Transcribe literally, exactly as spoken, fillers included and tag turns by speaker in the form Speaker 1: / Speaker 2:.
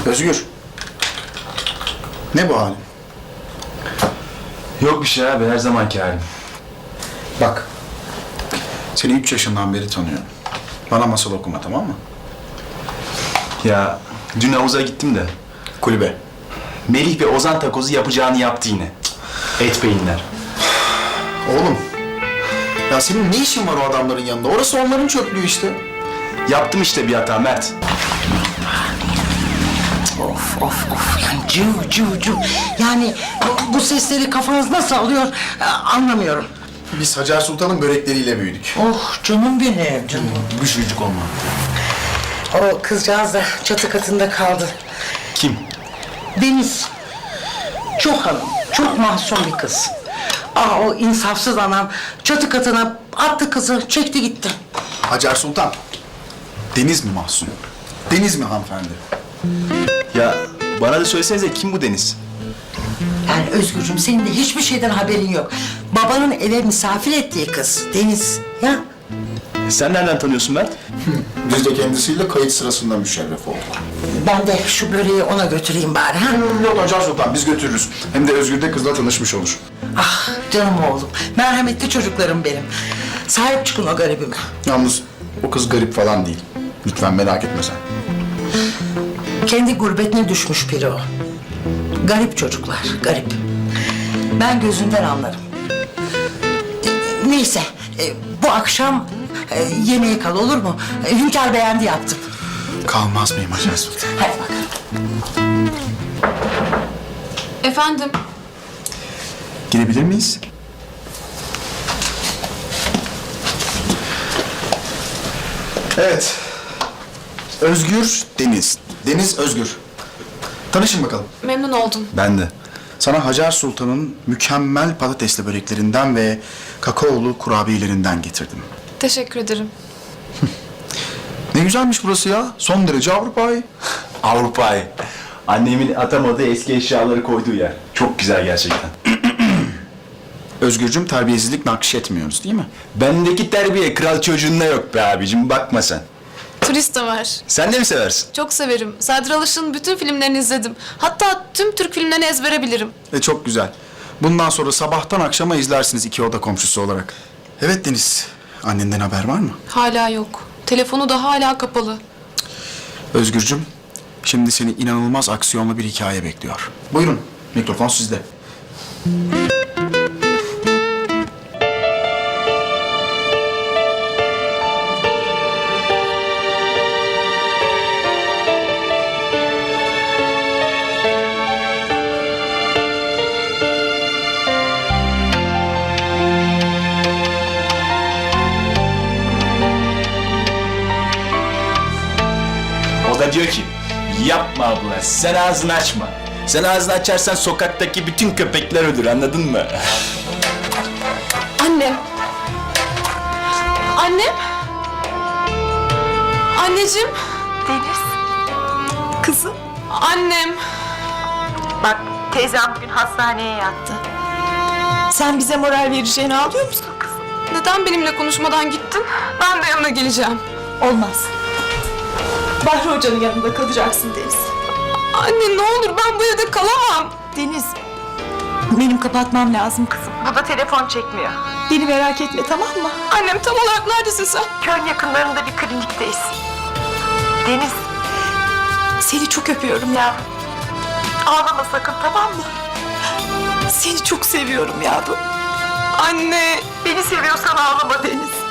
Speaker 1: Özgür. Ne bu halin?
Speaker 2: Yok bir şey abi, her zamanki halim.
Speaker 1: Bak. Seni üç yaşından beri tanıyorum. Bana masal okuma, tamam mı?
Speaker 2: Ya dün havuza gittim de
Speaker 1: Kulübe.
Speaker 2: Melih ve Ozan takozu yapacağını yaptı yine. Et beyinler.
Speaker 1: Oğlum. Ya senin ne işin var o adamların yanında? Orası onların çöplüğü işte.
Speaker 2: Yaptım işte bir hata Mert.
Speaker 3: Of of of yani cıv cıv cıv. Yani bu, bu sesleri kafanız nasıl alıyor e, anlamıyorum.
Speaker 1: Biz Hacer Sultan'ın börekleriyle büyüdük.
Speaker 3: Oh canım benim canım.
Speaker 1: Bu çocuk olma.
Speaker 3: O kızcağız da çatı katında kaldı.
Speaker 2: Kim?
Speaker 3: Deniz. Çok hanım, çok masum bir kız. Aa o insafsız anam çatı katına attı kızı, çekti gitti.
Speaker 1: Hacer Sultan. Deniz mi Mahsun? Deniz mi hanımefendi?
Speaker 2: Ya bana da söylesenize kim bu Deniz?
Speaker 3: Yani Özgürcüğüm senin de hiçbir şeyden haberin yok. Babanın eve misafir ettiği kız Deniz. Ya
Speaker 2: Sen nereden tanıyorsun Mert?
Speaker 1: Biz de kendisiyle kayıt sırasında müşerref olduk.
Speaker 3: ben de şu böreği ona götüreyim bari ha.
Speaker 1: Yok Hacer Sultan, biz götürürüz. Hem de Özgür de kızla tanışmış olur.
Speaker 3: Ah canım oğlum, merhametli çocuklarım benim. Sahip çıkın o garibime.
Speaker 1: Yalnız o kız garip falan değil. Lütfen merak etme sen.
Speaker 3: Kendi gurbetine düşmüş biri o. Garip çocuklar, garip. Ben gözünden anlarım. E, Neyse, e, bu akşam e, yemeğe kal olur mu? E, Hünkâr beğendi yaptım.
Speaker 1: Kalmaz mıyım Hacer Sultan?
Speaker 3: Hadi bakalım.
Speaker 4: Efendim?
Speaker 1: Girebilir miyiz? Evet. Özgür, Deniz. Deniz, Özgür. Tanışın bakalım.
Speaker 4: Memnun oldum.
Speaker 2: Ben de.
Speaker 1: Sana Hacer Sultan'ın mükemmel patatesli böreklerinden ve kakaolu kurabiyelerinden getirdim.
Speaker 4: Teşekkür ederim.
Speaker 1: Ne güzelmiş burası ya. Son derece Avrupa'yı.
Speaker 2: Avrupa'yı. Annemin atamadığı eski eşyaları koyduğu yer. Çok güzel gerçekten.
Speaker 1: Özgürcüm, terbiyesizlik nakşetmiyoruz değil mi?
Speaker 2: Bendeki terbiye kral çocuğunda yok be abicim, bakma sen.
Speaker 4: Turist de var.
Speaker 2: Sen de mi seversin?
Speaker 4: Çok severim. Sadri Alış'ın bütün filmlerini izledim. Hatta tüm Türk filmlerini ezbere bilirim.
Speaker 1: E çok güzel. Bundan sonra sabahtan akşama izlersiniz iki oda komşusu olarak. Evet Deniz, annenden haber var mı?
Speaker 4: Hala yok. Telefonu da hala kapalı.
Speaker 1: Özgürcüm, şimdi seni inanılmaz aksiyonlu bir hikaye bekliyor. Buyurun, mikrofon sizde.
Speaker 2: O da diyor ki, yapma abla, sen ağzını açma. Sen ağzını açarsan sokaktaki bütün köpekler ölür, anladın mı?
Speaker 4: Annem. Annem. Anneciğim.
Speaker 5: Deniz. Kızım.
Speaker 4: Annem.
Speaker 5: Bak teyzem bugün hastaneye yattı. Sen bize moral vereceğini alıyor musun kızım?
Speaker 4: Neden benimle konuşmadan gittin? Ben de yanına geleceğim.
Speaker 5: Olmaz. Bahri Hoca'nın yanında kalacaksın Deniz.
Speaker 4: Anne ne olur ben bu evde kalamam.
Speaker 5: Deniz. Benim kapatmam lazım kızım. Bu da telefon çekmiyor. Beni merak etme tamam mı?
Speaker 4: Annem tam olarak neredesin sen?
Speaker 5: Köyün yakınlarında bir klinikteyiz. Deniz. Seni çok öpüyorum ya. Ağlama sakın tamam mı? Seni çok seviyorum yavrum.
Speaker 4: Anne.
Speaker 5: Beni seviyorsan ağlama Deniz.